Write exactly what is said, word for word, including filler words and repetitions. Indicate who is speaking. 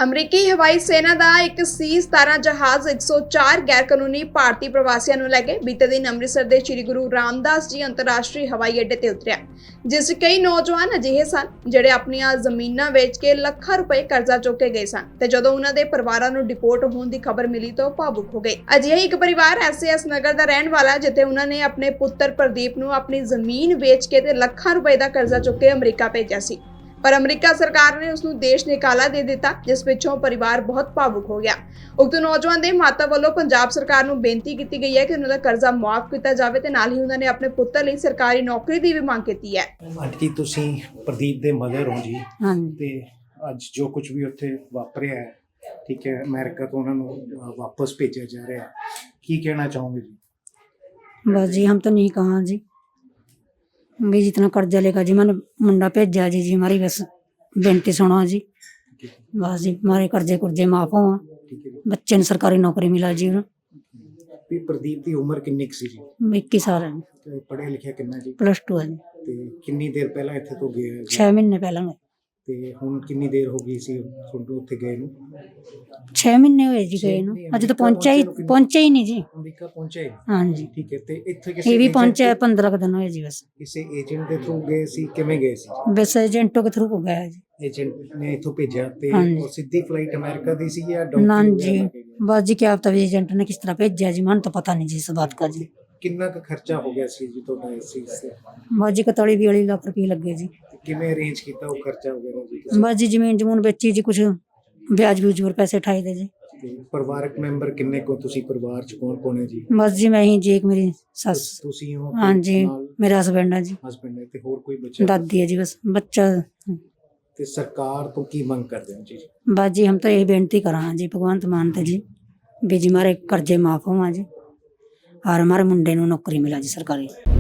Speaker 1: ਅਮਰੀਕੀ ਹਵਾਈ ਸੈਨਾ ਦਾ ਇੱਕ ਸੀ ਸਤਾਰਾਂ ਜਹਾਜ਼ ਇੱਕ ਸੌ ਚਾਰ ਗੈਰ ਕਾਨੂੰਨੀ ਭਾਰਤੀ ਪ੍ਰਵਾਸੀਆਂ ਨੂੰ ਲੈ ਕੇ ਬੀਤੇ ਦਿਨ ਅੰਮ੍ਰਿਤਸਰ ਦੇ ਸ੍ਰੀ ਗੁਰੂ ਰਾਮਦਾਸ ਜੀ ਅੰਤਰਰਾਸ਼ਟਰੀ ਹਵਾਈ ਅੱਡੇ ਤੇ ਉਤਰਿਆ, ਜਿਸ 'ਚ ਕਈ ਨੌਜਵਾਨ ਅਜਿਹੇ ਸਨ ਜਿਹੜੇ ਆਪਣੀਆਂ ਜ਼ਮੀਨਾਂ ਵੇਚ ਕੇ ਲੱਖਾਂ ਰੁਪਏ ਕਰਜ਼ਾ ਚੁੱਕ ਕੇ ਗਏ ਸਨ ਤੇ ਜਦੋਂ ਉਹਨਾਂ ਦੇ ਪਰਿਵਾਰਾਂ ਨੂੰ ਡਿਪੋਰਟ ਹੋਣ ਦੀ ਖਬਰ ਮਿਲੀ ਤਾਂ ਉਹ ਭਾਵੁਕ ਹੋ ਗਏ। ਅਜਿਹਾ ਇੱਕ ਪਰਿਵਾਰ ਐਸ ਐਸ ਨਗਰ ਦਾ ਰਹਿਣ ਵਾਲਾ, ਜਿੱਥੇ ਉਹਨਾਂ ਨੇ ਆਪਣੇ ਪੁੱਤਰ ਪ੍ਰਦੀਪ ਨੂੰ ਆਪਣੀ ਜ਼ਮੀਨ ਵੇਚ ਕੇ ਤੇ ਲੱਖਾਂ ਰੁਪਏ ਦਾ ਕਰਜ਼ਾ ਚੁੱਕ ਕੇ ਅਮਰੀਕਾ ਭੇਜਿਆ ਸੀ, ਪਰ ਅਮਰੀਕਾ ਸਰਕਾਰ ਨੇ ਉਸ ਨੂੰ ਦੇਸ਼ ਨਿਕਾਲਾ ਦੇ ਦਿੱਤਾ, ਜਿਸ ਪਿੱਛੋਂ ਪਰਿਵਾਰ ਬਹੁਤ ਭਾਵੁਕ ਹੋ ਗਿਆ। ਉਕਤ ਨੌਜਵਾਨ ਦੇ ਮਾਤਾ ਵੱਲੋਂ ਪੰਜਾਬ ਸਰਕਾਰ ਨੂੰ ਬੇਨਤੀ ਕੀਤੀ ਗਈ ਹੈ ਕਿ ਉਹਨਾਂ ਦਾ ਕਰਜ਼ਾ ਮੁਆਫ ਕੀਤਾ ਜਾਵੇ ਤੇ ਨਾਲ ਹੀ ਉਹਨਾਂ ਨੇ ਆਪਣੇ ਪੁੱਤਰ ਲਈ ਸਰਕਾਰੀ ਨੌਕਰੀ ਦੀ ਵੀ ਮੰਗ ਕੀਤੀ ਹੈ।
Speaker 2: ਆਂਟੀ ਤੁਸੀਂ ਪ੍ਰਦੀਪ ਦੇ ਮਦਰ ਹੋ ਜੀ,
Speaker 3: ਹਾਂਜੀ
Speaker 2: ਤੇ ਅੱਜ ਜੋ ਕੁਝ ਵੀ ਉੱਥੇ ਵਾਪਰਿਆ ਹੈ, ਠੀਕ ਹੈ, ਅਮਰੀਕਾ ਤੋਂ ਉਹਨਾਂ ਨੂੰ ਅ, ਵਾਪਸ ਭੇਜਿਆ ਜਾ ਰਿਹਾ ਹੈ, ਕੀ ਕਹਿਣਾ ਚਾਹੋਗੇ ਜੀ?
Speaker 3: बस जी हम तो नहीं कहा जी भी जितना कर्जा लेगा जी मैंने मुंडा भेजा जी जी हमारी बस बेनती सुनो जी, बस जी हमारे कर्जे कुर्जे माफ हो,
Speaker 2: ਠੀਕ ਹੈ ਜੀ।
Speaker 3: बच्चे ने सरकारी नौकरी मिला जी
Speaker 2: ਵੀ ਪ੍ਰਦੀਪ ਦੀ ਉਮਰ ਕਿੰਨੀ ਕੁ ਸੀ ਜੀ?
Speaker 3: इक्कीस साल है,
Speaker 2: ਤੇ ਪੜ੍ਹਿਆ ਲਿਖਿਆ ਕਿੰਨਾ ਜੀ?
Speaker 3: प्लस टू है जी।
Speaker 2: ਤੇ ਕਿੰਨੀ ਦੇਰ ਪਹਿਲਾਂ ਇੱਥੇ ਤੋਂ ਗਿਆ ਹੈ ਜੀ?
Speaker 3: छः महीने पहले गए,
Speaker 2: ਤੇ ਹੁਣ ਕਿੰਨੀ ਦੇਰ ਹੋ ਗਈ ਸੀ ਤੁਹਾਨੂੰ ਉੱਥੇ ਗਏ ਨੂੰ?
Speaker 3: छः महीने हुए जी गए ना, अज तो पहुंचा ही पहुंचा ही नहीं जी।
Speaker 2: ਅਮਰੀਕਾ ਪਹੁੰਚੇ?
Speaker 3: हाँ जी
Speaker 2: ਠੀਕ ਹੈ, ਤੇ ਇੱਥੇ
Speaker 3: ये
Speaker 2: ਕਿਸੇ
Speaker 3: भी
Speaker 2: agent-
Speaker 3: पहुंचा है पंद्रह दिन हुए जी, बस
Speaker 2: ਕਿਸੇ ਏਜੰਟ ਦੇ ਥਰੂ ਗਏ ਸੀ? ਕਿਵੇਂ ਗਏ ਸੀ?
Speaker 3: बस एजेंटों के थ्रू हो गया जी।
Speaker 2: ਏਜੰਟ ਨੇ ਇੱਥੋਂ ਭੇਜਿਆ ਤੇ
Speaker 3: ਹਾਂਜੀ।
Speaker 2: ਉਹ ਸਿੱਧੀ ਫਲਾਈਟ ਅਮਰੀਕਾ ਦੀ ਸੀ ਜਾਂ
Speaker 3: ना
Speaker 2: ਡਾਊਨ
Speaker 3: जी बस जी क्या पता एजेंट ने किस तरह भेजा जी, मन तो पता नहीं जी इस बात का जी।
Speaker 2: ਕਿੰਨਾ ਕੁ ਖਰਚਾ ਹੋ ਗਿਆ ਸੀ ਜੀ ਤੁਹਾਡਾ ਇਸ ਚੀਜ਼ ਤੇ?
Speaker 3: बस जी कतौली भी लाख रुपये लगे जी।
Speaker 2: ਤੇ ਕਿਵੇਂ ਅਰੇਂਜ ਕੀਤਾ ਉਹ ਖਰਚਾ ਵਗੈਰਾ ਜੀ ਤੁਸੀਂ?
Speaker 3: बस जी जमीन जमून बेची जी, कुछ ब्याज ब्यूज और पैसे उठाए थे जी।
Speaker 2: ਤੇ ਪਰਿਵਾਰਕ ਮੈਂਬਰ ਕਿੰਨੇ ਕੋ ਤੁਸੀਂ ਪਰਿਵਾਰ ਚ ਕੌਣ ਕੌਣ ਹੈ ਜੀ?
Speaker 3: बस जी मैं ही जी, एक मेरी सस,
Speaker 2: ਤੁਸੀਂ ਹੋ?
Speaker 3: हाँ जी मेरा हस्बैंड है जी,
Speaker 2: ਹਸਬੰਡ ਹੈ ਤੇ ਹੋਰ ਕੋਈ ਬੱਚਾ?
Speaker 3: दादी है जी, बस बच्चा।
Speaker 2: ਤੇ ਸਰਕਾਰ ਤੋਂ ਕੀ ਮੰਗ ਕਰਦੇ ਹੋ ਜੀ?
Speaker 3: बस जी हम तो यही बेनती करा जी भगवंत मान ते जी भी जी हमारे कर्जे माफ होवा जी और हमारे मुंडे नूं नौकरी मिला जी सरकारी।